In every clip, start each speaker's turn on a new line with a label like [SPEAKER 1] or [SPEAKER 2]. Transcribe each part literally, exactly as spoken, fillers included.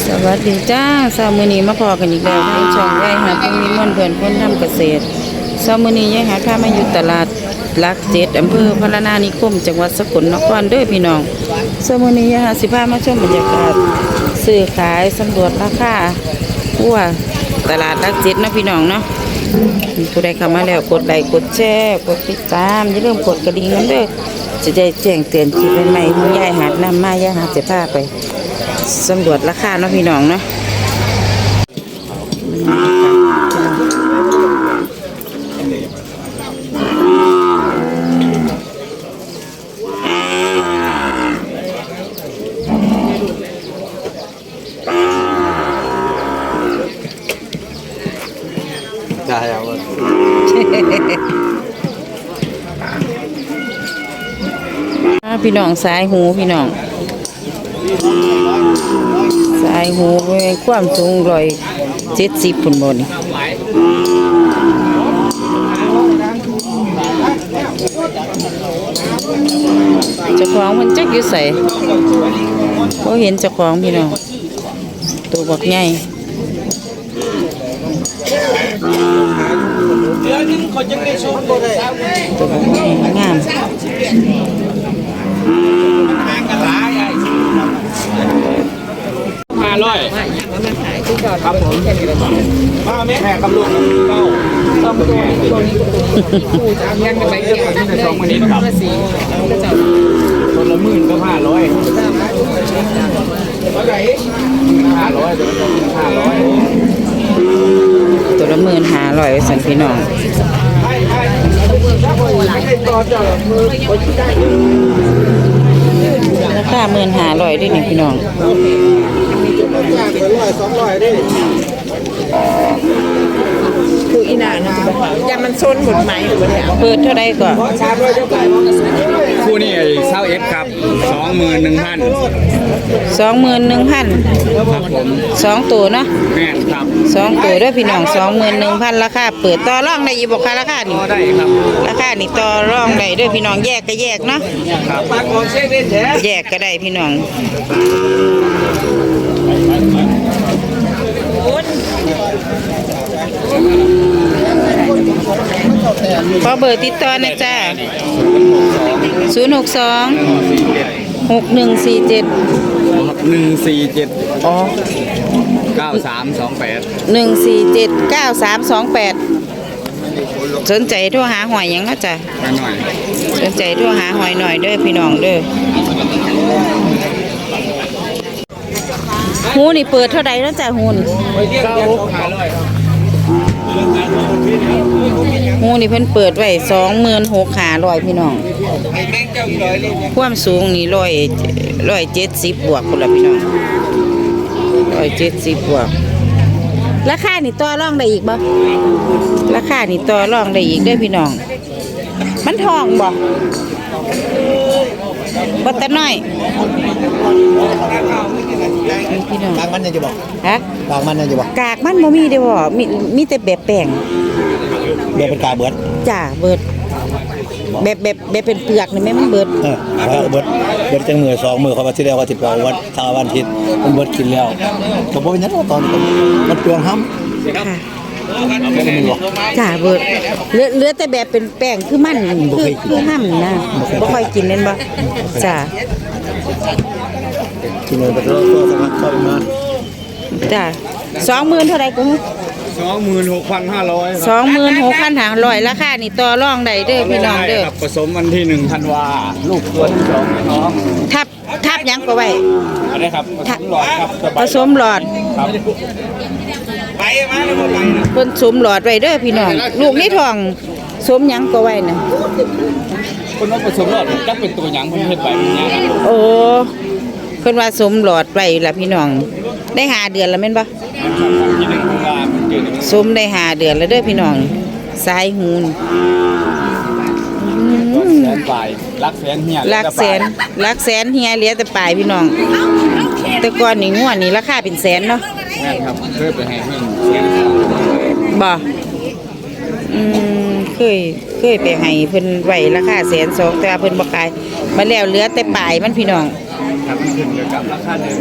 [SPEAKER 1] สวัสดีจ้าเช้ามื้อนี้มาพอกันอีกแล้วในช่องยายหาผู้มีมวลเพื่อนคนทำเกษตรเช้ามื้อนี้ยายหาพามาอยู่ตลาดหลักเจ็ดอำเภอพระนานิคมจังหวัดสกลนครเด้อพี่น้องเช้ามื้อนี้ยายหาสิพามาชมบรรยากาศซื้อขายสำรวจราคาวัวตลาดหลักเจ็ดเนาะพี่น้องเนาะผู้ใดเข้ามาแล้วกดไลค์กดแชร์กดติดตามอย่าลืมกดกระดิ่งนั้นเด้อจะได้แจ้งเตือนคลิปใหม่ๆของยายหานำมายายหาจะพาไปสำรวจราคาเนาะพี่น้องเนาะ
[SPEAKER 2] ได้แล้ว
[SPEAKER 1] พี่น้องสายหูพี่น้องสายหูความสูงร้อยเจ็ดสิบปุ่นบนเจ้าของมันจักอยู่ใส่เขาเห็นเจ้าของพี่น้องตัวบักใหญ่ตัวบักใหญ่งาม
[SPEAKER 2] ห้าร้อยครับผมมาแม่แม่กำลังเก้าสองตัวตัวนี้คู่จะยังไปเกี่ยวกับสองคนนี้ครับคนละหมื่นก็ห้าร้อยห้าร้อยห้าร้อย
[SPEAKER 1] ตัวละหมื่นห้าร้อยสันพี่น้องราคาหมื่นห้าร้อยด้วยนี่พี่น้อง
[SPEAKER 3] คืออีน่านะยามันซนหมดไหมหรือเปล่า
[SPEAKER 1] เปิดเท่าไรก่อน
[SPEAKER 2] คู่นี้เศร้าเอฟครับสองหมื่นหนึ่งพัน
[SPEAKER 1] สองหมื่นหนึ่งพัน
[SPEAKER 2] ครับผม
[SPEAKER 1] สองตัวเนาะ
[SPEAKER 2] แม่ครับ
[SPEAKER 1] สองตัวด้วยพี่น้องสองหมื่นหนึ่งพันราคาเปิดต่อรองได้ยี่บอกค่ะราคานี่
[SPEAKER 2] ได้ครับ
[SPEAKER 1] ราคานี่ต่อรองได้ด้วยพี่น้องแยกก็แยกเนาะแยกก็ได้พี่น้องขอเบอร์ติดต่อหน่อยจ้าศูนย์หกสองหกหนึ่งสี่เจ็ด
[SPEAKER 2] หนึ่งสี่เจ็ด
[SPEAKER 1] อ๋อ
[SPEAKER 2] เก้าสามสองแปด
[SPEAKER 1] หนึ่งสี่เจ็ดเก้าสามสองแปดสนใจโทรหาหอยยังนะจ๊ะ
[SPEAKER 2] หน่อย
[SPEAKER 1] สนใจโทรหาหอยหน่อยเด้อพี่น้องเด้อหูนี่เปิดเท่าใดแล้วจ้ะหูนี่หูนี่เพิ่นเปิดไว้สองหมื่นหกห้าร้อยพี่น้องความสูงนี่ร้อยร้อยเจ็ดสิบบวกคนละพี่น้องร้อยเจ็ดสิบบวกราคานี่ต่อรองได้อีกบ่ราคานี่ต่อรองได้อีกเด้อพี่น้องมันทองบ่บ่ตะน้อยพี่น้อง
[SPEAKER 2] กากมันยังจะบอก
[SPEAKER 1] ฮะ
[SPEAKER 2] กากมันยังจะบอก
[SPEAKER 1] กากมันบ่มีเด้อบ่มีมีแต่แบบแป้ง
[SPEAKER 2] เบิดเป็นกาเบิด
[SPEAKER 1] จ้าเบิดแบบแบบแบบเป็นเปลือกนี่แม่มันเบิด
[SPEAKER 2] เออเบิดเบิดจังมือสองมือเขาว่าที่แล้วว่าสิบกว่าวันทาวันทิศมันเบิดกินแล้วก็บ่เป็นหยังตอนมันเปลืองห้ำ
[SPEAKER 1] ค่ะจ้าเบิดเหลือเหลือแต่แบบเป็นแป้งคือมันคือคือห้ำนะบ่ค่อยกินเล่นบ่จ้า
[SPEAKER 2] กินเลยไปแล้วก็สักพักเข้ามา
[SPEAKER 1] จ้าสองหมื่นเท่าไรกู
[SPEAKER 2] สองหมื่นหกพันห้าร้อย
[SPEAKER 1] สองหมื่นหกพันห้าร้อยราคานี่ต่อรองได้เด้อพี่น้องเด้อ
[SPEAKER 2] ผสมวันที่หนึ่งธันวาลูกตัวที่สองน้อง
[SPEAKER 1] ทับทับยังก็ไว้
[SPEAKER 2] อะไรครับผสมหลอดครับ
[SPEAKER 1] ผสมหลอด
[SPEAKER 2] ครับไปมาแล้วไป
[SPEAKER 1] เพิ่นสมหลอดไว้เด้อพี่น้องลูกนี่ทองสมยังก็ไว้น่ะ
[SPEAKER 2] คนว่าผสมหลอดจักเป็นตัวหยังเพิ่นเฮ็ดไว้เนี่ย
[SPEAKER 1] โอ้เพิ่นว่าสมหลอดไว้ล่ะพี่น้องได้ห้าเดือนแล้วแม่นบ่สมได้ห้าเดือนแล้วเด้อพี่น้องสายหูน
[SPEAKER 2] แสนปลายลักแสนเฮีย
[SPEAKER 1] ลักแสนลักแสนเฮียเหลือแต่ปลายพี่น้องแต่ก่อนนี่งัวนี่ราคาเป็นแสนเนาะ
[SPEAKER 2] แม่นครับเคยไปให้เพิ่น
[SPEAKER 1] บ่ อืมเคยเคยไปให้เพิ่นไว้ราคาแสนสองแต่เพิ่นบ่ขายมาแล้วเหลือแต่ปลายมันพี่น้อง
[SPEAKER 2] ครับมันขึ้นกับราคาเดิม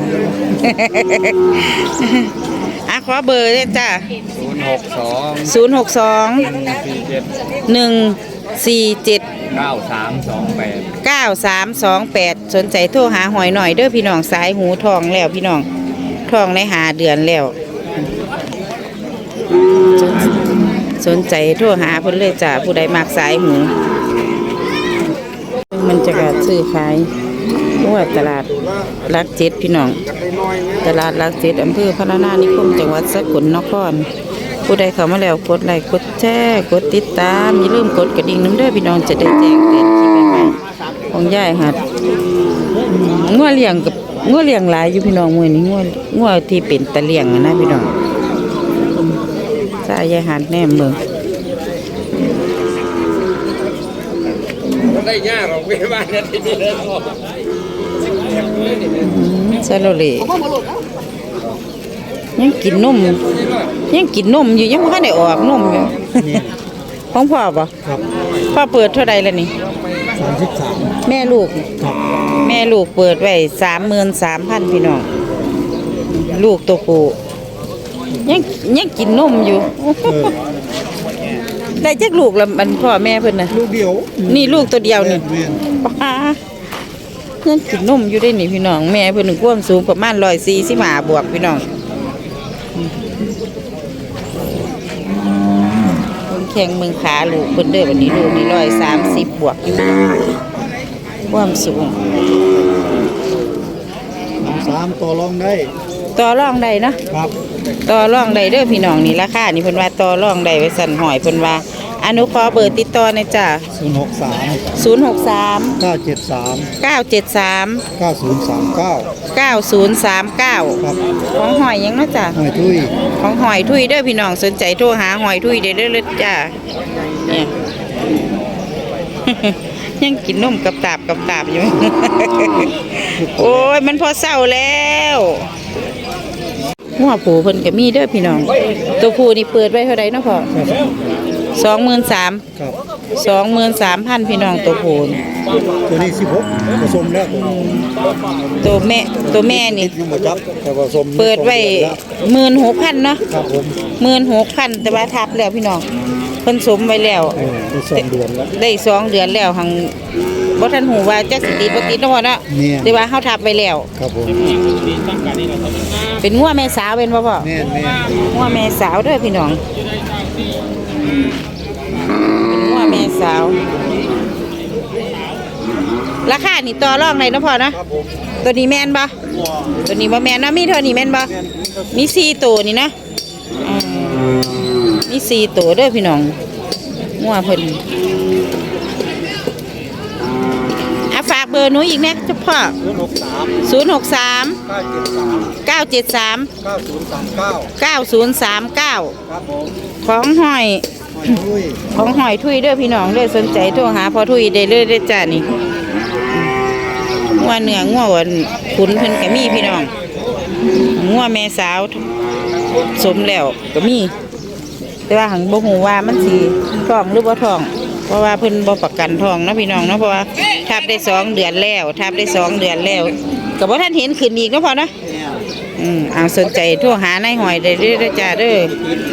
[SPEAKER 1] อ่ะขอเบอร์เลยจ้า
[SPEAKER 2] ศูนย์หกสอง
[SPEAKER 1] ศูนย์หกสอง
[SPEAKER 2] สี่เจ็ด
[SPEAKER 1] หนึ่งสี่เจ็ด
[SPEAKER 2] เก้าสามสองแปด
[SPEAKER 1] เก้าสามสองแปดสนใจโทรหาหอยหน่อยเด้อพี่น้องสายหูทองแล้วพี่น้องทองในหาเดือนแล้วสนสนใจโทรหาเพิ่นเลยจ้าผู้ใดมักสายหู มันจะการซื้อขายว่าตลาดรักเจ็ดพี่น้องตลาดรักเจ็ดอำเภอพระนานิคมจังหวัดสกลนครผู้ใดเข้ามาแล้วกดไลค์กดแชร์กดติดตามอย่าลืมกดกระดิ่งน้ำเด้อพี่น้องจะได้แจ้งเตือนคลิปใหม่ๆของยายหัดงัวเลี้ยงกับงัวเลี้ยงหลายอยู่พี่น้องมื้อนี้งัวงัวที่เป็นตะเลี้ยงอะนะพี่น้องสายยายหัดแนมเบิ่ง
[SPEAKER 2] ได้ยากหรอกไม่บ้านนั้นที่นี่เลย
[SPEAKER 1] ซาโลเลยังกินนมยังกินนมอยู่ยังไม่ทันได้ออกนมอยู่ของพ่อป่ะพ่อเปิดเท่าใดแล้วนี่
[SPEAKER 4] สามสิบสาม
[SPEAKER 1] แม่ลูก แม่ลูกเปิดไว้สามหมื่นสามพันพี่น้องลูกตัวปูยังยังกินนมอยู่ได้จักลูกละมันพ่อแม่เพิ่นน่ะ
[SPEAKER 4] ลูกเดียว
[SPEAKER 1] นี่ลูกตัวเดียวนี่
[SPEAKER 4] เวียน
[SPEAKER 1] ป้ายังกินนมอยู่ได้นี่พี่น้องแม่เพิ่นความสูงประมาณร้อยสี่สิบห้าบวกพี่น้องเพิ่นแข่งเมืองขาลูกเพิ่นเด้อวันนี้ลูกนี่ร้อยสามสิบบวกอยู่ความสูง
[SPEAKER 4] สามต่อรองได้
[SPEAKER 1] ต่อรองได้เนาะ
[SPEAKER 4] ครับ
[SPEAKER 1] ต่อรองได้เด้อพี่น้องนี่ราคานี่เพิ่นว่าต่อรองได้ไว้สั่นหอยเพิ่นว่าอนุขอเบอร์ติดต่อหน่อยจ้ะ
[SPEAKER 4] ศูนย์หกสาม
[SPEAKER 1] ศูนย์หกสาม
[SPEAKER 4] เก้าเจ็ดสาม
[SPEAKER 1] เก้าเจ็ดสาม
[SPEAKER 4] เก้าศูนย์สามเก้า
[SPEAKER 1] เก้าศูนย์สามเก้า
[SPEAKER 4] ครับ
[SPEAKER 1] ของหอยยังเนาะจ้ะ
[SPEAKER 4] หอยทุย
[SPEAKER 1] ของหอยทุยเด้อพี่น้องสนใจโทรหาหอยทุยเด้อเด้อเลยจ้าเนี่ย ยังกินนมกับตาบกับตาบอยู่ โอ้ยมันพอเศร้าแล้วหัวผูเพิ่นก็มีเด้อพี่น้องตัวผูนี่เปิดไว้เท่าไรเนาะพ่อสองหมื่นสาม
[SPEAKER 4] ครับ
[SPEAKER 1] สองหมื่นสามพันพี่น้องตัวผูนี่
[SPEAKER 4] ตัวนี้สิบหกผสมแล้วตัว
[SPEAKER 1] ตัวแม่ตัวแม่นี่
[SPEAKER 4] ยังมาจับแต่ผสม
[SPEAKER 1] เปิดไว้หมื่นหกพันเนาะ
[SPEAKER 4] ครับผม
[SPEAKER 1] หมื่นหกพันแต่ว่าทับแล้วพี่น้องเพิ่นสมไว้แล้ว
[SPEAKER 4] เออได้สองเดือนแล้ว
[SPEAKER 1] ได้สองเดือนแล้วหังบ่ทันหูว่าจักสิติดบ่ติดเนาะพ่อเนาะ
[SPEAKER 4] เนี่ย
[SPEAKER 1] แต่ว่าเฮาทับไว้แล้ว
[SPEAKER 4] ครับผม
[SPEAKER 1] เป็นงัวแม่สาวเป็นบ่พ่อ
[SPEAKER 4] แม่นแม่น
[SPEAKER 1] งัวแม่สาวเด้อพี่น้องเป็นงัวแม่สาว ราคานี่ต่อรองได้เนาะพ่อเนาะ
[SPEAKER 4] ครับผม
[SPEAKER 1] ตัวนี้แม่นบ่ตัวนี้บ่แม่นเนาะมีเท่านี้แม่นบ่มีสี่ตัวนี่นะอืมมีสี่ตัวเด้อพี่น้องงัวเพิ่นอ่ะฝากเบอร์หนูอีกแน่เจ้าพ่อ
[SPEAKER 4] ศูนย์หกสาม
[SPEAKER 1] ศูนย์หกสาม
[SPEAKER 4] เก้าเจ็ดสาม
[SPEAKER 1] เก้าเจ็ดสาม
[SPEAKER 4] เก้าศูนย์สามเก้า
[SPEAKER 1] เก้าศูนย์สามเก้า
[SPEAKER 4] ครับผม
[SPEAKER 1] ของหอย
[SPEAKER 4] หอยทุย
[SPEAKER 1] ของหอยทุยเด้อพี่น้องเด้อสนใจโทรหาพอทุยได้เลยเด้อจ้านี่งัวเนื้องัวหวานขุนเพิ่นก็มีพี่น้องงัวแม่สาวสมแล้วก็มี แต่ว่าหังบ่ฮู้ว่ามันสิท้องหรือบ่ท้อง เพราะว่าเพิ่นบ่ประกันท้องเนาะพี่น้องเนาะเพราะว่าทับได้สองเดือนแล้วทับได้สองเดือนแล้วก็บ่ทันเห็นขึ้นอีกเนาะพ่อเนาะอืมเอาสนใจโทรหานายหอยได้เด้อจ้าเด้อ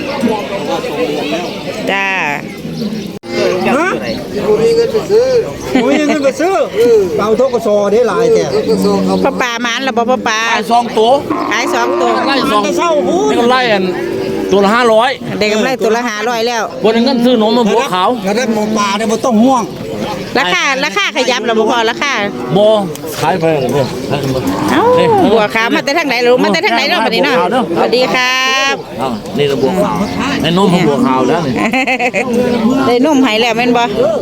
[SPEAKER 1] จ้า
[SPEAKER 4] ฮะกูมีเงินไปซื้อกูมีเงินไปซื้อเอาทกศได้หลายแต่ทกศเขา
[SPEAKER 1] พ่อปลามันละบ่พ่อปลา
[SPEAKER 2] ขายสองตัว
[SPEAKER 1] ขายสองตัว
[SPEAKER 2] ไล่สอง
[SPEAKER 4] เศร้าหู
[SPEAKER 2] นี่ก็ไล่อันตัวละห้าร้อย
[SPEAKER 1] ได้กำไรตัวละห้าร้อยแล้ว
[SPEAKER 2] บนเงินซื้อนมมาบัวขาว
[SPEAKER 4] แล้วได้หมูป่าเนี่ยมันต้องห่วง
[SPEAKER 1] ราคาราคาขยับแล้วบ่พอราคา
[SPEAKER 2] โบขายไปเลย
[SPEAKER 1] เอ้าบัวขาวมาแต่ทางไหนลูกมาแต่ทางไหนเนาะบัดนี้เนาะสวัสดีครับ
[SPEAKER 2] นี่ระบัวขาวในนมของบัวขาวแล้วนี่
[SPEAKER 1] ได้นุ่มให้แล้วแม่นบ่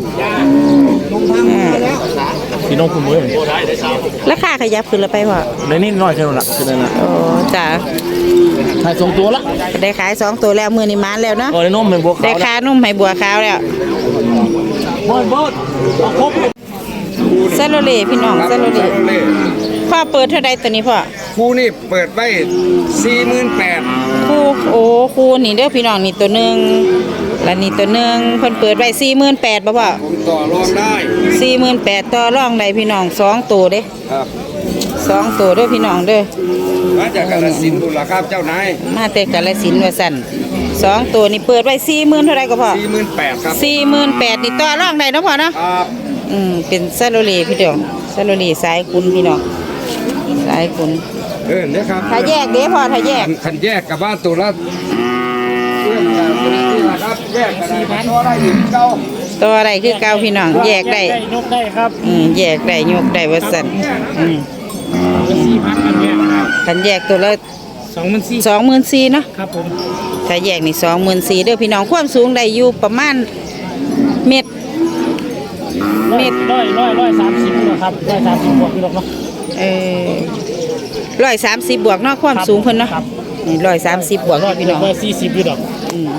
[SPEAKER 2] พี่น้องคุณมือ
[SPEAKER 1] ราคาขยับขึ้นแล้วไปพ่อ
[SPEAKER 2] ในนี่น้อยแค่นั้นละคือนั่นละ
[SPEAKER 1] โอ้จ้า
[SPEAKER 2] ขายสองตัวละ
[SPEAKER 1] ได้ขายสองตัวแล้วมื้อนี้มานแล้วเนาะ
[SPEAKER 2] โอ้ในนมเป็นบัวขาว
[SPEAKER 1] ได้ค่านุ่มให้บัวขาวแล้ว
[SPEAKER 2] บดบดครบ
[SPEAKER 1] ซาโลเลพี่น้องซาโลเลพ่อเปิดเท่าใดตัวนี้พ่อ
[SPEAKER 5] ครูนี่เปิดไว้สี่หมื่นแปด
[SPEAKER 1] คู่โอ้คู่นี่เด้อพี่น้องนี่ตัวหนึงแล้วนี่ตัวหนึงเพิ่นเปิดไว้ สี่หมื่นแปดพัน บ่พ่อ
[SPEAKER 5] ผมต่อรองได้
[SPEAKER 1] สี่หมื่นแปดพันต่อรองได้พี่น้องสองตัวเด้
[SPEAKER 5] ครับ
[SPEAKER 1] สสองตัวเด้อพี่น้องเด้อ
[SPEAKER 5] มาจากกาฬสินธุ์บุรีครับเจ้านาย
[SPEAKER 1] มาแต่กาฬสินธุ์ว่าสั่นสองตัวนี่เปิดไว้สี่หมื่นเท่าไรก็พอ
[SPEAKER 5] สี่หมื่นแปดครับ
[SPEAKER 1] สี่หมื่นแปดนี่ต่อรองได้เนาะพ่อเนาะ
[SPEAKER 5] ครับ
[SPEAKER 1] อืมเป็นซาโลเลพี่เดียวซาโลเลสายคุณพี่น้องสายคุณ
[SPEAKER 5] เออเนี่ยครับ
[SPEAKER 1] ถ้าแยกเด้พ่อถ้าแยก
[SPEAKER 5] ขันแยกกับบ้านตัวละเรื่องการนี่แหละครับแยกกันสี่พันก็ได้อยู่เก้า
[SPEAKER 1] ตัวอะไรคือเก่าพี่น้องแยกได้
[SPEAKER 2] ยกได้ครับ
[SPEAKER 1] อืมแยกได้ยกได้ว่าสั่นอืม
[SPEAKER 2] สี่พันกันแยกครับ
[SPEAKER 1] คันแยกตัวละ
[SPEAKER 2] สองมันสี่
[SPEAKER 1] สองหมื่นสี่เนาะ
[SPEAKER 2] ครับผม
[SPEAKER 1] ถ้าแยกนี่สองหมื่นสี่เด้อพี่น้องความสูงได้อยู่ประมาณเม็ด
[SPEAKER 2] เม็ดร้อยร้อยร้อยสามสิบนะครับร้อยสามสิบบวกพี่หรอกเนาะ
[SPEAKER 1] เออร้อยสามสิบบวกเนาะความสูงเพิ่นเนาะนี่ร้อยสามสิบบวก
[SPEAKER 2] ร้อย
[SPEAKER 1] พี่น้อง
[SPEAKER 2] ร้อยสี่สิบพี่หรอก
[SPEAKER 1] อืม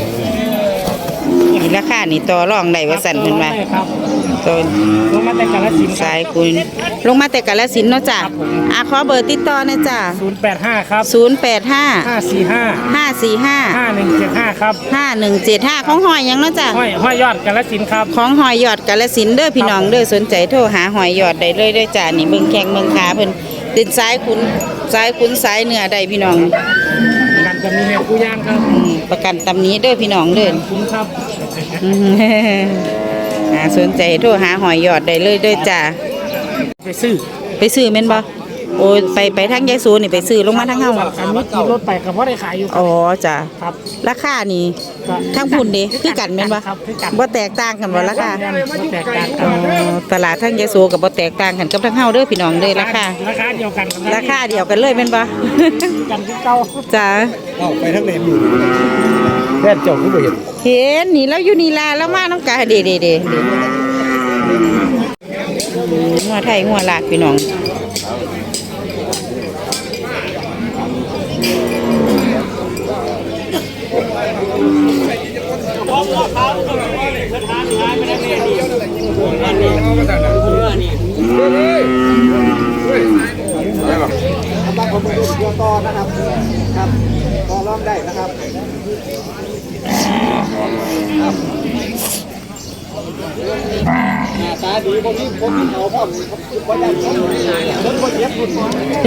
[SPEAKER 1] นี่ราคานี่ต่อรองได้ว่าสั่นเพิ่นว่า
[SPEAKER 2] ได้ครับ
[SPEAKER 1] ตัว
[SPEAKER 2] ลงมาแต่กาฬสินธุ์
[SPEAKER 1] สายคุณลงมาแต่กาฬสินธุ์เนาะจ้ะอ่ะขอเบอร์ติดต่อหนะจ้ะ
[SPEAKER 2] ศูนย์แปดห้าครับ
[SPEAKER 1] ศูนย์แปดห้า
[SPEAKER 2] ห้าสี่ห้า
[SPEAKER 1] ห้าสี่ห้า
[SPEAKER 2] ห้าหนึ่งเจ็ดห้าครับ
[SPEAKER 1] ห้าหนึ่งเจ็ดห้าของหอยหยังเนาะจ้ะ
[SPEAKER 2] ห้อยห้อยยอดกาฬสินธุ์ครับ
[SPEAKER 1] ของหอยยอดกาฬสินธุ์เด้อพี่น้องเด้อสนใจโทรหาหอยยอดได้เลยเด้อจ้ะนี่เบิ่งแข้งเบิ่งขาเพิ่นติดสายคุณสายคุณสายเนื้อได้พี่น้อง
[SPEAKER 2] กันจะมีแนวกู้ย่างครับ
[SPEAKER 1] อืมประกันตำนี้เด้อพี่น้องเด้อ
[SPEAKER 2] คุ้มครับ
[SPEAKER 1] อืม อ่าสนใจโทรหาหอยยอดได้เลยเด้อจ้ะ
[SPEAKER 2] ไปซื้อ
[SPEAKER 1] ไปซื้อแม่นบ่โอ้ยไปไปทางยายสูนี่ไปซื้อลงมาทางเฮา
[SPEAKER 2] อันนี้ขี่รถไปกับว่าได้ขายอยู่
[SPEAKER 1] อ๋อจ้ะ
[SPEAKER 2] ครับ
[SPEAKER 1] ราคานี่ทางพุ่นเด้คือกันแม่นบ่
[SPEAKER 2] ครับคือกัน
[SPEAKER 1] บ่แตกต่างกันบ่ราคา
[SPEAKER 2] บ่แตกต่างกั
[SPEAKER 1] อ๋
[SPEAKER 2] น
[SPEAKER 1] อตลาดทางยายสูก็บ่แตกต่างกันกับทางเฮาเด้อพี่น้องเด้อราคา
[SPEAKER 2] ราคาเดียวกัน
[SPEAKER 1] ราคาเดียวกันเลยแม่นบ่
[SPEAKER 2] กันที่เก่า
[SPEAKER 1] จ้ะ
[SPEAKER 4] เอาไปทั้งเลนอยู่แค่เจ้าผู้บริหาร
[SPEAKER 1] เห็นนี่แล้วอยู่นี่ล่ะแล้วมาน้ำกาเด้เด้เด้งัวไทยงัวลากพี่น้อง
[SPEAKER 4] ต่อนะครับครับต่อรองได้นะครับตาดีคนนี้คนที่เขาพ่อมเขาอยากชนชนคนเจ็บคน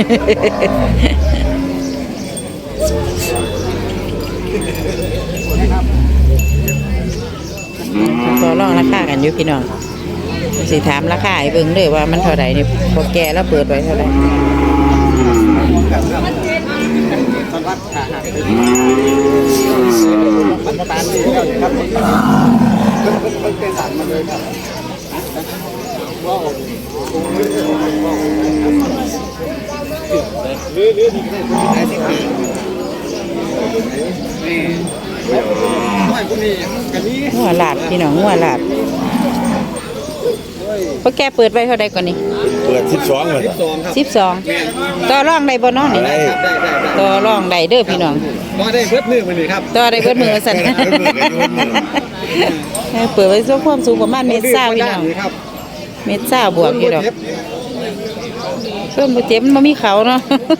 [SPEAKER 1] ต่อรองราคากันอยู่พี่น้องสิถามราคาให้เบิ่งเลยว่ามันเท่าไหร่นี่พอแกแล้วเปิดไว้เท่าไหร่งัวลาดพี่น้องงัวลาดพอแกเปิดไว้เท่าใดก่อนนี่
[SPEAKER 6] เปิดสิบสองเลย
[SPEAKER 1] สิบสองต่อรองได้บ่เน้องนี่ต่อรองได้เด้อพี่น้อง
[SPEAKER 4] มาได้เพิ่มมือมาเลยครับ
[SPEAKER 1] ต่อได้เบิดมือสั่นเปิดไว้สูงความสูงประมาณเมตรเศร้าพี่น้องเมตรเศร้าบวกอยู่ดอกเพิ่มบ่เจ็บมันบ่มีเขาเนาะ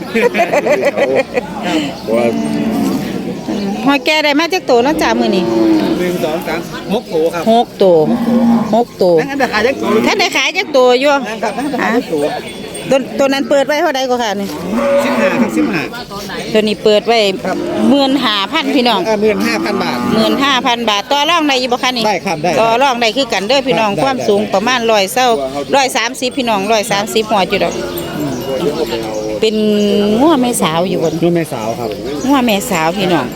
[SPEAKER 6] ว่า
[SPEAKER 1] หอยแก่ได้มาจากตัวเนาะจ้ามื้อนี้
[SPEAKER 4] หนึ่งสองสามหกโถครับ
[SPEAKER 1] หกตัวหกตัว
[SPEAKER 4] นั่นราคาจักโถ
[SPEAKER 1] ท่านได้ขายจากตัวอยู่
[SPEAKER 4] นั่นครับนั่นราคา
[SPEAKER 1] ฮะ
[SPEAKER 4] จักโถ
[SPEAKER 1] ตัวตัวนั้นเปิดไว้เท่าใดก็ค่ะนี่
[SPEAKER 4] สิบห้าครับสิบห้า
[SPEAKER 1] ตัวนี้เปิดไว้หมื่นห้าพันพี่น้อง
[SPEAKER 4] หมื่นห้าพันบาท
[SPEAKER 1] หมื่นห้าพันบาทต่อรองได้อยู่บ่คะนี่
[SPEAKER 4] ได้ครับได้
[SPEAKER 1] ต่อรองได้คือกันเด้อพี่น้อง
[SPEAKER 4] ได้
[SPEAKER 1] ความสูงประมาณร้อยเศร้าร้อยสามสิบพี่น้องร้อยสามสิบหัวจุดดอกเป็นงัวแม่สาวอยู่บน
[SPEAKER 4] นุ่มแม่สาวครับ
[SPEAKER 1] งัวแม่สาวพี่น้อง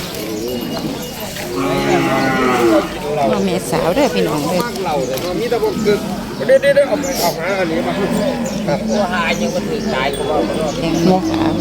[SPEAKER 1] งัวแม่สาวเด้อพี่น้องเด้อ
[SPEAKER 5] เราแต่ตอนนี้ตะบกคือเดี๋ยวเดี๋ยวเอาไปเอาหาอันนี้มาครับตัวหายังมันถึงตายก็ว่า
[SPEAKER 1] แดงแม่สาว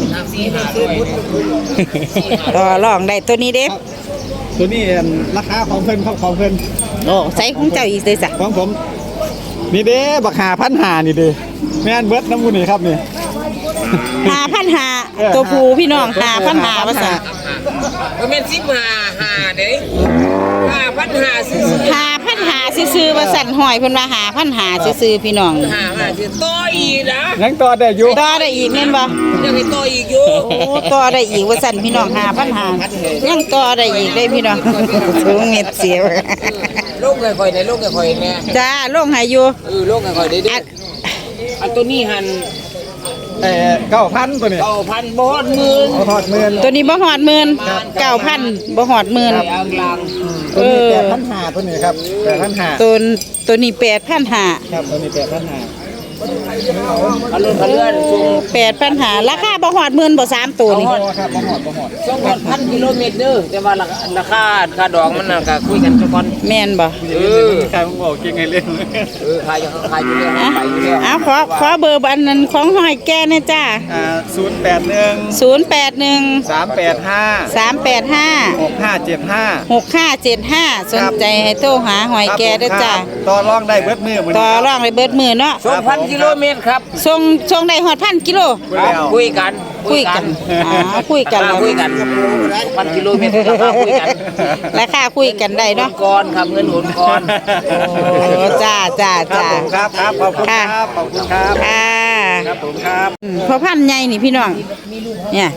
[SPEAKER 1] ต่อรองได้ตัวนี้เด้
[SPEAKER 4] ตัวนี้ราคาของเพิ่นครับของเพิ่น
[SPEAKER 1] โอ้ใส่ของเจ้าอีกเลยจ้ะ
[SPEAKER 4] ของผมนี่เด้บักหาพันหานี่เด้แม่นเบิดน้ำมูนี่ครับนี่
[SPEAKER 1] ห้าพันห้าตัวผู้พี่น้องห้าพันห้าว่าสั่น
[SPEAKER 2] มันเป็นสิบห้าห้าเด้ห้าพันห้าซื้อ
[SPEAKER 1] ห้าพันห้าซื้อๆว่าสั่นหอยเพิ่นว่าห้าพันห้าซื้อๆพี่น้อง
[SPEAKER 2] ห้าห้าซื้อต่ออีกนะ
[SPEAKER 4] ยังต่อได้อยู่
[SPEAKER 1] ต่อได้อีกแม่นบ่
[SPEAKER 2] ยังให้ต่ออีกอยู่
[SPEAKER 1] โอ้ต่อได้อีกว่าสั่นพี่น้องห้าพันห้ายังต่อได้อีกได้พี่น้อง สูงเม็ดเสียว
[SPEAKER 2] โลกค่อยๆในโลกค่อยๆแน่
[SPEAKER 1] จ้าลงให้อยู่
[SPEAKER 2] เออโลกค่อยๆได้ดิ
[SPEAKER 1] อัน
[SPEAKER 2] อันตัวนี้หัน
[SPEAKER 4] เอ่อเก้าพันตัวนี้
[SPEAKER 5] เก้าพันบอดหมื่น
[SPEAKER 4] เอาทอดหมื่น
[SPEAKER 1] ตัวนี้บ่หอดหมื่นเก้าพันบ่หอดหมื่น
[SPEAKER 5] อ่างลาง
[SPEAKER 4] ตัวนี้แปดพันห้าตัวนี้ครับแปดพันห้า
[SPEAKER 1] ตัวตัวนี้แปดพันห้า
[SPEAKER 4] ครับตัวนี้แปดพันห้า
[SPEAKER 5] อารมณ์เลื่อนสูง
[SPEAKER 1] แปดพันห้าราคาบ่หอดหมื่นบ่สามตัวนี่
[SPEAKER 4] บ่ครับบ่หอดบ่หอด
[SPEAKER 5] สองพันกิโลเมตรเด้อแต่ว่าราคาค่าดอกมันน่ะก็คุยกันทุกคน
[SPEAKER 1] แม่นบ่
[SPEAKER 5] เออ
[SPEAKER 4] ใครผมบอกเก่งไงเล่น
[SPEAKER 5] เออขายอยู่ขายอยู่เรื่อย
[SPEAKER 1] อ่ะ
[SPEAKER 5] ไปอยู่เรื่อย
[SPEAKER 1] เอาขอขอเบอร์อันนั้นของหอยแก่นะจ้า
[SPEAKER 4] อ่าศูนย์แปดหนึ่ง
[SPEAKER 1] ศูนย์แปดหนึ่ง
[SPEAKER 4] สามแปดห้า
[SPEAKER 1] สามแปดห้า
[SPEAKER 4] หกห้าเจ็ดห้า
[SPEAKER 1] หกห้าเจ็ดห้าสนใจให้โทรหาหอยแก่เด้อจ้า
[SPEAKER 4] ต่อรองได้เบิดมือมื้อ
[SPEAKER 1] ต่อ
[SPEAKER 4] นี้
[SPEAKER 1] รองเลยเบิดมือเนาะ
[SPEAKER 5] สองพันกิโลเมตรครับ
[SPEAKER 1] ส่งส่งได้หอดพันกิโล
[SPEAKER 5] คุยกัน
[SPEAKER 1] คุยกันอ๋อคุยกัน
[SPEAKER 5] ราคาคุยกันพันกิโลเมตรราคาคุยกัน
[SPEAKER 1] ราคาคุยกันได้เนาะ
[SPEAKER 5] ก่อนครับเงินโอนก่อน
[SPEAKER 1] โอ้จ้าจ้า
[SPEAKER 4] ครับ
[SPEAKER 1] จ้า
[SPEAKER 4] ผมครับครับขอบคุณครับขอบคุณครับ
[SPEAKER 1] ค่ะ
[SPEAKER 4] ครับผมครับ
[SPEAKER 1] อืมพอพันใหญ่นี่พี่น้องเนี่ย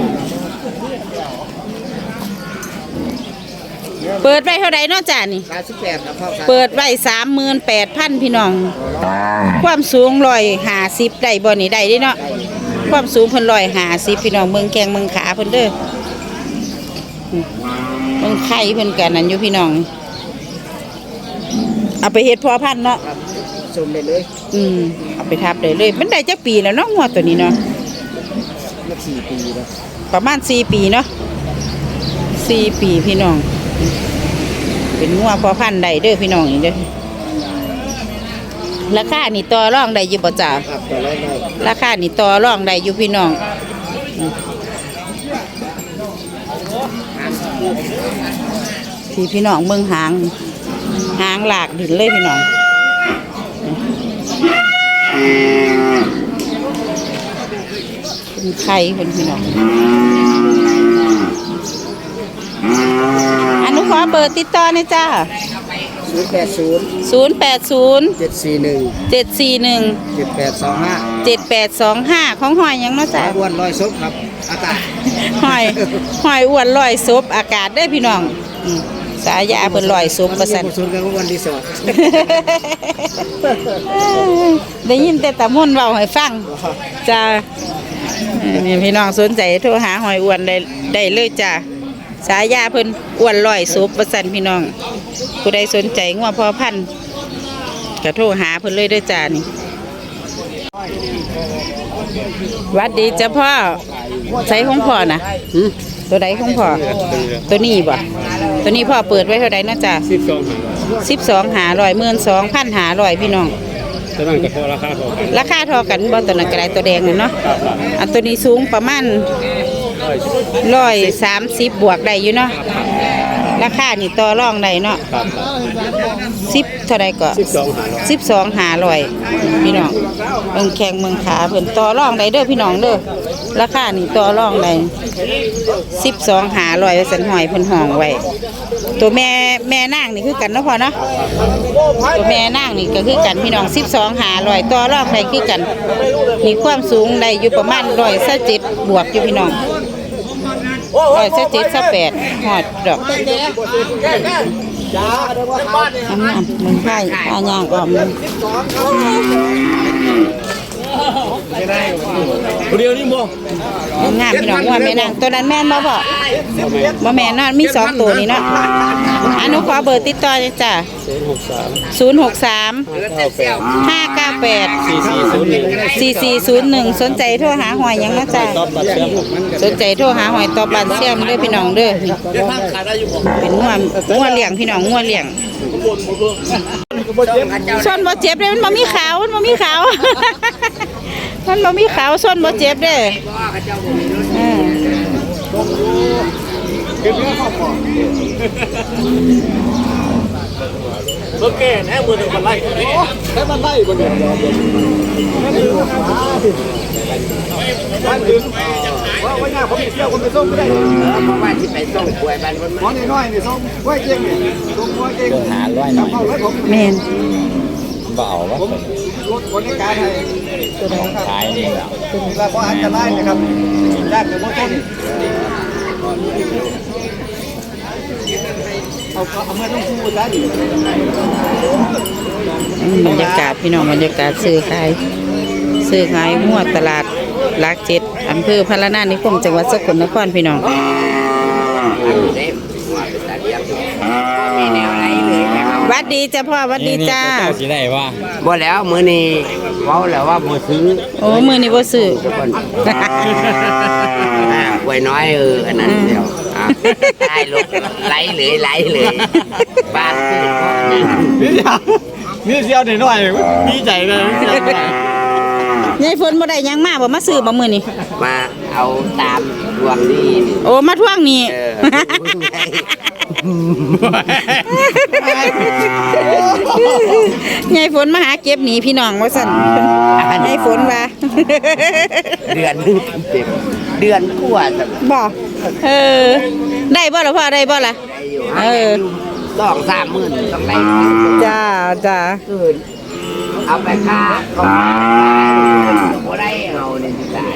[SPEAKER 1] เปิดไว้เท่าไรเนาะจ้านี่
[SPEAKER 5] ขายสิบแปดครับพ่อครับ
[SPEAKER 1] เปิดไว้สามหมื่นแปดพันพี่น้อง ความสูงร้อยห้าสิบได้บ่นี่ได้เด้เนาะความสูงเพิ่นร้อยห้าสิบพี่น้องเมืองแกงเมืองขาเพิ่นเด้ออืมเมืองไข่เพิ่นกันนั่นอยู่พี่น้องเอาไปเฮ็ดพอพันธุ์เนาะ
[SPEAKER 5] ชมได้เลย
[SPEAKER 1] อืมเอาไปทับได้เลย มันได้จักปีแล้วเนาะงัวตัวนี้เนาะ
[SPEAKER 5] มาสี่ปีแล้ว
[SPEAKER 1] ประมาณสี่ปีเนาะสี่ปีพี่น้อง เป็นงัวพอพันธุ์ได้เด้อพี่น้องนี่เด้อราคานี่ต่อรองได้อยู่บ่จ้า
[SPEAKER 5] ครับต่อรองได้
[SPEAKER 1] ราคานี่ต่อรองได้อยู่พี่น้องอืมพี่พี่น้องเมืองหางหางหลากดินเลยพี่น้องเป็นไข่เป็นพี่น้องอนุขอเบอร์ติดต่อหนะจ้า
[SPEAKER 5] ศูนย์แปดศูนย์
[SPEAKER 1] ศูนย์แปดศูนย์
[SPEAKER 5] เจ็ดสี่หนึ่ง
[SPEAKER 1] เจ็ดสี่หนึ่ง
[SPEAKER 5] เจ็ดแปดสองห้า
[SPEAKER 1] เจ็ดแปดสองห้าของหอยหยังเนาะจ้า
[SPEAKER 5] อ้วนลอยซบครับ อากาศ
[SPEAKER 1] หอยหอยอ้วนลอยซบอากาศได้อพี่น้องอืมสายาเพิ่นลอยซบประสัน
[SPEAKER 5] ศูนย์กันวันรีสอร์ท
[SPEAKER 1] ได้ยินแต่ตะมุ่นเว้าให้ฟังจ้าเออนี่พี่น้องสนใจโทรหาหอยอ้วนได้ได้เลยจ้าสายาเพิ่นอ้วนลอยซบประสันพี่น้องผู้ใดสนใจงัวพอพันธุ์ก็โทรหาเพิ่นเลยเด้อจ้านี่หวัดดีจ้าพ่อใส่ของพ่อนะตัวใดของพ่อตัวนี้บ่ตัวนี้พ่อเปิดไว้เท่าใดนะจ้า
[SPEAKER 6] สิบสอง
[SPEAKER 1] สิบสองหาร้อยหมื่นสองพันหาร้อยพี่น้อง
[SPEAKER 6] จะนั่งกับพอราคาพอกัน
[SPEAKER 1] ราคาเทอกันบ่ตัวนั้นกระไดตัวแดงน่ะเนาะอันตัวนี้สูงประมาณร้อยสามสิบบวกได้อยู่เนาะราคานี่ต่อรองได้เนาะ
[SPEAKER 6] ครับ
[SPEAKER 1] สิบเท่าไรก็
[SPEAKER 6] สิบสองหาร้อย
[SPEAKER 1] สิบสองหาร้อยพี่น้องเมืองแข่งเมืองขาเพิ่นต่อรองได้เด้อพี่น้องเด้อราคานี่ต่อรองได้สิบสองหาร้อยสันหอยเพิ่นห้องไว้ตัวแม่แม่นางนี่คือกันเนาะพ่อเนาะตัวแม่นางนี่ก็คือกันพี่น้องสิบสองหาร้อยต่อรองได้คือกันมีความสูงได้อยู่ประมาณร้อยสิบเจ็ดบวกอยู่พี่น้องร้อยสิบเจ็ดสิบแปดหอดดอกน้ำน้ำมึงไผ่ผ้าย่างออมเลย
[SPEAKER 6] เดียวนี่บ่
[SPEAKER 1] งามพี่น้องว่าแม่นางตัวนั้นแม่นบ่พ่อบ่แม่นเนาะมีสองตัวนี่เนาะอันนู้นขอเบอร์ติดต่อเลยจ้ะ
[SPEAKER 6] ศูนย์หกสาม
[SPEAKER 1] ศูนย์หกสาม
[SPEAKER 6] เก้าแปด
[SPEAKER 1] ห้าเก้าแปด
[SPEAKER 6] สี่สี่ศูนย์หนึ่ง
[SPEAKER 1] สี่สี่ศูนย์หนึ่งสนใจโทรหาหอยหยังนะจ้ะ
[SPEAKER 6] ตอบบัตรเชื่อม
[SPEAKER 1] สนใจโทรหาหอยตอบันเสี่ยมเด้อพี่น้องเด้อนี่เป็นงัวงัวเลี้ยงพี่น้องงัวเลี้ยงส่วนบ่เจ็บเลยมันบ่มีขาวมันบ่มีขาว มันบ่มีขาวส่วนบ่เจ็บเด้ออ่า
[SPEAKER 6] โอเคแน่มือหนึ่งมันไล่
[SPEAKER 4] ใช้มันไล่บ่เนี่ยบ้านถึงว่าว่าเนี่ยผมเที่ยวคนไปส่งไม่ได้
[SPEAKER 5] เพราะว่าที่ไปส่งป่วยบ้านมัน
[SPEAKER 4] หมอน้อยๆนี่ส่งไว้เก่งนี่ส่งไว้เก่งหาร้อยหน่อยเข้ารถผม
[SPEAKER 1] แม่น
[SPEAKER 4] ผมรถคนในการให้ตัวของขายนี่แล้วแล้วก็อันตรายนะครับญาติกับมอต้นเอาเอามาต้องพูดซะดิ
[SPEAKER 1] บรรยากาศพี่น้องบรรยากาศซื้อขายซื้อขายงัวตลาดหลักเจ็ดอำเภอพระนานิคมจังหวัดสกลนครพี่น้องหวัดดีจ้าพ่อหวัดดีจ้า
[SPEAKER 6] สิได้ว่า
[SPEAKER 2] บ่แล้วมื้อนี้เว้าแล้วว่าบ่ซื้อ
[SPEAKER 1] โอ้มือนี่บ่ซื้อ
[SPEAKER 2] ทุกคนอ่าไว้น้อยเอออันนั้นเดียวอ่ะได้ลูกไหลเลยไหลเลยบ้านคือพ่อนี่
[SPEAKER 6] มีเสียวหน่อยๆดีใจเลย
[SPEAKER 1] ยายฝนบ่ได้หยังมาบ่มาซื้อบ่มื้อนี้
[SPEAKER 2] มาเอาตามดวงดีนี่
[SPEAKER 1] โอ้มาทวงนี่
[SPEAKER 2] เออ
[SPEAKER 1] ยายฝนมาหาเก็บหนีพี่น้องว่าสั่นยายฝนว่า
[SPEAKER 2] เดือนนึงเต็มเดือนกว่าจะ
[SPEAKER 1] บ่เออได้บ่ล่ะพ่อได้บ่ล่ะ
[SPEAKER 2] ได้อยู่
[SPEAKER 1] เออ
[SPEAKER 2] สองสามหมื่นต้องได้
[SPEAKER 1] จ้าจ้า
[SPEAKER 2] คืนเอาไปค่าก็บ่ได้เอาเนี่ยสิตาย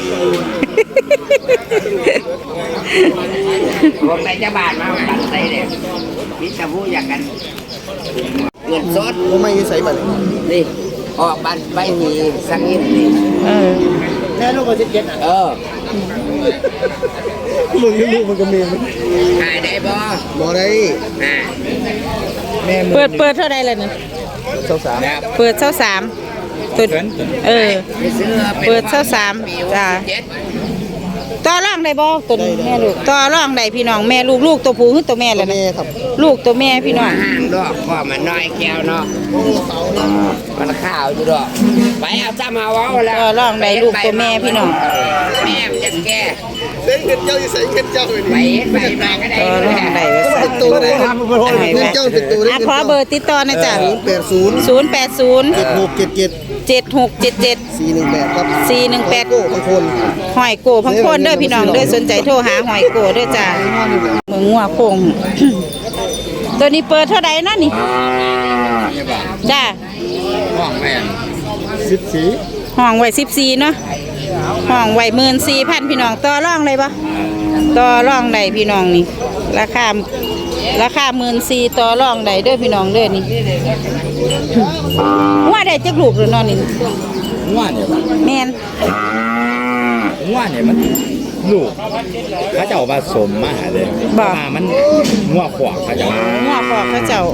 [SPEAKER 2] ผมไปจะบาทมาปันใส่เลยมิจะพูดอยากกันเงินสด
[SPEAKER 4] บ่ไม่ใส่บัตร
[SPEAKER 2] นี่ออกบัตรใบหีสังนิดนี่
[SPEAKER 1] เออ
[SPEAKER 4] แค่ลูกก็สิบเจ็ดอ่ะ
[SPEAKER 2] เออ
[SPEAKER 4] มึงลูกมันก็มีมัน
[SPEAKER 2] หายได้บ่
[SPEAKER 4] บ่ได้
[SPEAKER 2] อ่า
[SPEAKER 4] แม่มึง
[SPEAKER 1] เปิดเปิดเท่าใดล่ะนี่
[SPEAKER 4] สาวสาว
[SPEAKER 2] ครับ
[SPEAKER 1] เปิดเท่าสามตัวเออ
[SPEAKER 2] ไปซื้อ
[SPEAKER 1] เปิดเท่าสามจ้า
[SPEAKER 2] เจ็ด
[SPEAKER 1] ต่อรองได้บ่ตัวนี้แม่ลูกต่อรองได้พี่น้องแม่ลูกลูกตัวผู้คือตัวแม่ล่ะ
[SPEAKER 4] แม่
[SPEAKER 1] นะ
[SPEAKER 4] ครับ
[SPEAKER 1] ลูกตัวแม่พี่น้อง
[SPEAKER 2] ห่างดอกพ่อมันน้อยแก้วเนาะมันข้าวอยู่ดอกไปเอาจ้ามาเว้าแล้ว
[SPEAKER 1] ต่อรองได้ลูกตัวแม่พี่น้อง
[SPEAKER 2] แม่มันจะแก่
[SPEAKER 4] เส้นเงินเจ้าอยู่ใส่เงินเจ้าเลย
[SPEAKER 2] ไปเฮ็ดไปมาก็ได้
[SPEAKER 1] ต่อรองได้ว่าสั่น
[SPEAKER 4] ตัวเลยเงินเจ้าเป็นตัวเลย
[SPEAKER 1] อ่ะขอเบอร์ติดต่อนะจ๊ะ
[SPEAKER 4] แปดศูนย์
[SPEAKER 1] ศูนย์แปดศูนย์
[SPEAKER 4] เจ็ดหกเจ็ดเจ็ด
[SPEAKER 1] เจ็ดหกเจ็ดเจ็ด
[SPEAKER 4] สี่หนึ่งแปดครับ
[SPEAKER 1] สี่หนึ่งแปด
[SPEAKER 4] โก้บางคน
[SPEAKER 1] หอยโกพังโคนเด้อพี่น้องเด้อสนใจโทรหาหอยโกเด้อจ้าเมืองงัวโคง ตัวนี้เปิดเท่าใดนะนี่จ้า
[SPEAKER 2] ห้องแม่
[SPEAKER 4] สิบสี่
[SPEAKER 1] ห้องไว้สิบสี่เนาะห้องไว้หมื่นสี่พันพี่น้องต่อรองเลยปะต่อรองได้พี่น้องนี่ ราคาราคาหมื่นสี่ต่อรองได้เด้อพี่น้องเด้อนี่ ว่าได้จักลูกหรือนอนนี่
[SPEAKER 6] ง่วเนี่ย
[SPEAKER 1] แม่น
[SPEAKER 6] ง่วเนี่ยมันลูกเขาจะเอาผสมมาหาเลยมามันง่วขวางเขาจะ
[SPEAKER 1] งัวพอกเขาเจ้า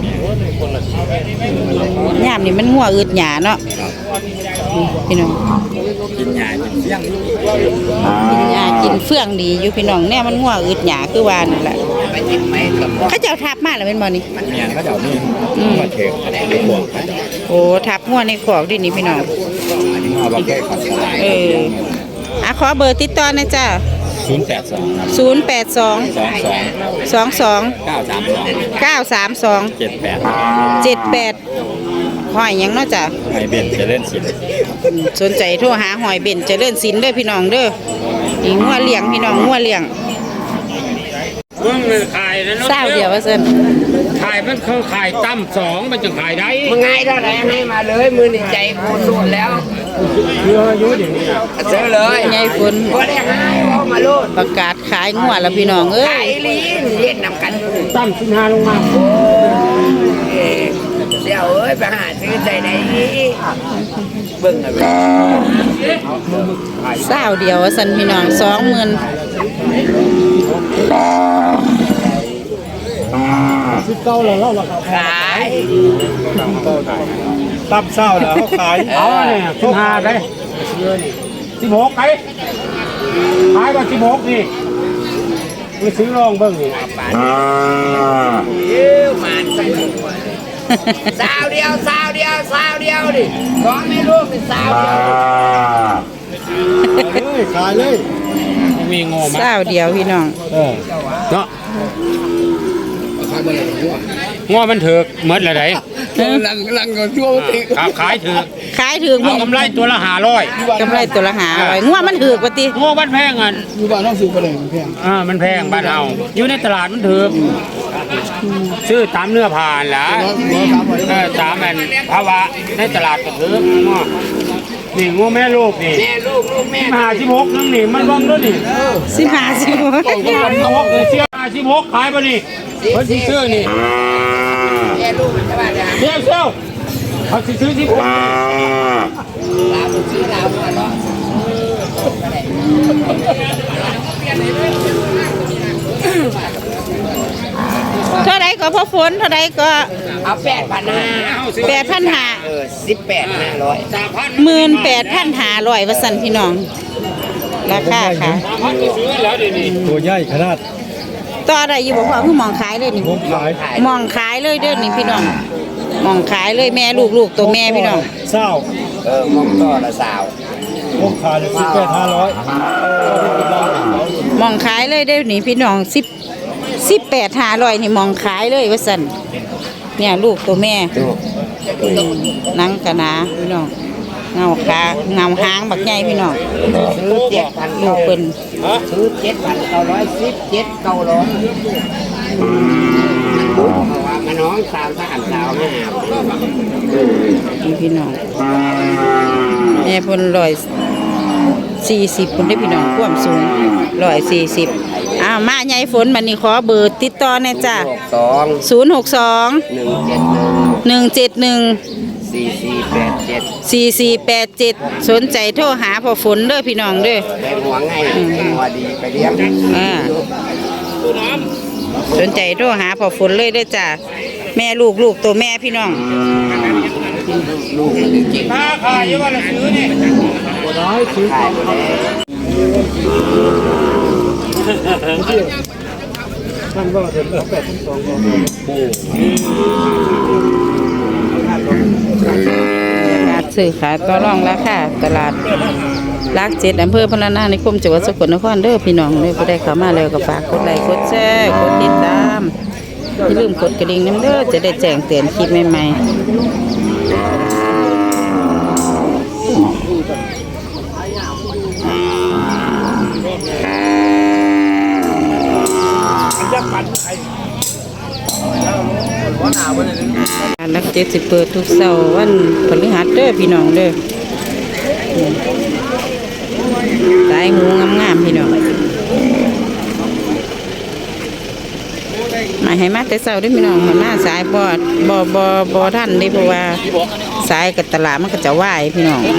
[SPEAKER 1] ยามนี่มันงัวอึดหยาเนาะพี่น้อง
[SPEAKER 6] กินยากินเสี่ยง
[SPEAKER 1] กินหญ้ากินเฟื่องดีอยู่พี่น้องเนี่ยมันงัวอึดหยาคือว่านั่นแหละ
[SPEAKER 2] ไปกินไหมกับ
[SPEAKER 1] เขาเจ้าทับมาแล้วเป็นบ่นี่
[SPEAKER 6] เมียนเขาจะเอานี่มาเทกในขวางเขาจะ
[SPEAKER 1] โอ้ทับงัวในขอกดินี่พี่น้อง
[SPEAKER 6] เอาไปแก้ขัดสลาย
[SPEAKER 1] เอออ่ะขอเบอร์ติดต่อหนะจ้า
[SPEAKER 6] ศูนย์แปดสอง
[SPEAKER 1] ศูนย์แปดสอง
[SPEAKER 6] สองสอง
[SPEAKER 1] สองสอง
[SPEAKER 6] เก้าสามสอง
[SPEAKER 1] เก้าสามสอง
[SPEAKER 6] เจ็ดแปด
[SPEAKER 1] เจ็ดแปดหอยหยังเนาะจ้ะ
[SPEAKER 6] ไอเบนจะเล่นสิ
[SPEAKER 1] สนใจโทรหาหอยเบนเจริญศิลป์เด้อพี่น้องเด้อนี่งัวเลี้ยงพี่น้องงัวเลี้ยง
[SPEAKER 5] มึงขายนะ
[SPEAKER 1] เศร้าเดียวว่าซั่น
[SPEAKER 5] ขายมันคือขายตั้มสองมันจะขายได้
[SPEAKER 2] มึงไงเท่าไหร่ให้มาเลยมือนี่ใจโคตรสุดแล้วเยอะเยอะอย่างนี้ซื้อเลย
[SPEAKER 1] ยายฝน
[SPEAKER 2] ก็ได้ให้เอามาโลด
[SPEAKER 1] ประกาศขายงัวแล้วพี่น้องเอ้
[SPEAKER 2] ขาย ยลีนเย็นนำกัน
[SPEAKER 5] ตั้มสิบห้าลงมา
[SPEAKER 2] เอ้ยเดี๋ยวเอ้ยไปหาซื้อใจไหนเบิ่งอะไร
[SPEAKER 1] เศร้าเดียวว่าซั่นพี่น้องสองหมื่น
[SPEAKER 4] สิบเก้าแล้วเล่าราคา
[SPEAKER 2] ขาย
[SPEAKER 4] ตับเศร้าแล้วเขาขาย
[SPEAKER 5] เอาเนี่ยสิบห้าได้สิบหกไปขายมาสิบหกนี่ไปซื้อลองเบิ่งนี่
[SPEAKER 2] เอ้ยมันสักหนึ่งวันสาวเดียวสาวเดียวสาวเดียวดิร้องไม่รู้เป็นสาวเดียว
[SPEAKER 4] เลยขายเลย
[SPEAKER 5] มีงอมา
[SPEAKER 1] เศร้าเดียวพี่น้อง
[SPEAKER 5] เออเนาะงอมันเถือกเมื่อไรไหน
[SPEAKER 4] ลังลังก่อนช่วงติ
[SPEAKER 5] ครับขายเถือก
[SPEAKER 1] ขายถึง
[SPEAKER 5] เอากำไรตัวละห้าร้อย
[SPEAKER 1] กำไรตัวละหาร้อยงัวมันถือกว่าติ
[SPEAKER 5] งอมันแพงอ่ะ
[SPEAKER 4] อยู่บ้านต้องซื้อไปเลยเพียง
[SPEAKER 5] อ่ามันแพงบ้านเราอยู่ในตลาดมันถือกซื้อตามเนื้อผ่านล่ะเออตามมันภาวะในตลาดก็ถือกงอนี่งูแม่ลูกนี่
[SPEAKER 2] แม่ลูกลูกแม่
[SPEAKER 5] ห้าสิบหกนั่นนี่มันบ้องด้วยนี่
[SPEAKER 1] สิบห้าสิบหก
[SPEAKER 5] ห้าสิบหกเสียห้าสิบหกขายป่ะนี่เพิ่นสิซื้อนี่
[SPEAKER 2] แม่ลูกมันจะว่าจะ
[SPEAKER 5] เดี๋ยวเซลเขาสิซื้อสิบหก
[SPEAKER 2] ลาวซื้อลาวมาเนาะ
[SPEAKER 1] เท่าไรก็พอฝนเท่าไรก็
[SPEAKER 6] เอาแปดพันห้า
[SPEAKER 1] แปดพันหา
[SPEAKER 6] เออสิบแปดห้าร้อย
[SPEAKER 1] หมื่นแปดพันหาร้อยว่าสันพี่น้อง ราคาค่ะ
[SPEAKER 4] ตัวใหญ่ขนาด
[SPEAKER 1] ต่ออะไรอยู่บ่พอคือมองขายเลยนี่
[SPEAKER 4] ผมขาย
[SPEAKER 1] มองขายเลยเด้อนี่พี่น้องมองขายเลยแม่ลูกลูกตัวแม่พี่น้อง
[SPEAKER 4] เศร้า
[SPEAKER 6] เออมองต่อละสาว
[SPEAKER 4] ผมขายเลยสิบแปดห้าร้อย
[SPEAKER 1] มองขายเลยเด้อนี่พี่น้องสิบสิบแปดหาร้อยนี่มองขายเลยว่าสันเนี่ยลูกตัวแม่หนังกะหนาพี่น้องเงาขาเงาหางบักใหญ่พี่น้อง
[SPEAKER 6] ซื้อเจ็ดพัน
[SPEAKER 1] ลูกเปิ้น
[SPEAKER 6] ซื้อเจ็ดพันเก้าร้อยสิบเจ็ดเก้าร้อยว่ามาน้องสาวสามสาวห้า
[SPEAKER 1] นี่พี่น้องแม่เพิ่นร้อยสี่สิบคนได้พี่น้องความสูงร้อยสี่สิบอ้าวมาใหญ่ฝนบัดนี้ขอเบอร์ติดต่อแน่จ้ะ
[SPEAKER 6] สอง
[SPEAKER 1] ศูนย์หกสอง
[SPEAKER 6] หนึ่งเจ็ดหนึ่ง
[SPEAKER 1] หนึ่งเจ็ดหนึ่ง
[SPEAKER 6] สี่สี่แปดเจ็ด
[SPEAKER 1] สี่สี่แปดเจ็ดสนใจโทรหาพ่อฝนเด้อพี่น้องเด้อ
[SPEAKER 6] แรงหัวไงหัวดีไปเลี้ยง
[SPEAKER 1] อ่าสนใจโทรหาพ่อฝนเลยเด้อจ้ะแม่ลูกลูกตัวแม่พี่น้อง
[SPEAKER 5] ถ้าขายอยู่ว่าเราซื้อนี่
[SPEAKER 6] ขายไปแล้ว
[SPEAKER 1] การซื้อขายต่อรองราคาตลาดรักเจ็ดอำเภอพะนานิคมจังหวัดสกลนครเด้อพี่น้องเด้อผู้ใดเข้ามาแล้วก็ฝากกดไลค์กดแชร์กดติดตามอย่าลืมกดกระดิ่งน้ำเด้อจะได้แจ้งเตือนคลิปใหม่ๆรักเจ็ดสิเปิดทุกเสาร์วันพฤหัสเด้อพี่น้องเด้อสายหมูงามๆพี่น้องมาให้มาแต่เช้าเด้อพี่น้องมามาสายบ่บ่บ่บ่ทันเด้เพราะว่าสายกับตลาดมันก็จะว่ายพี่น้อง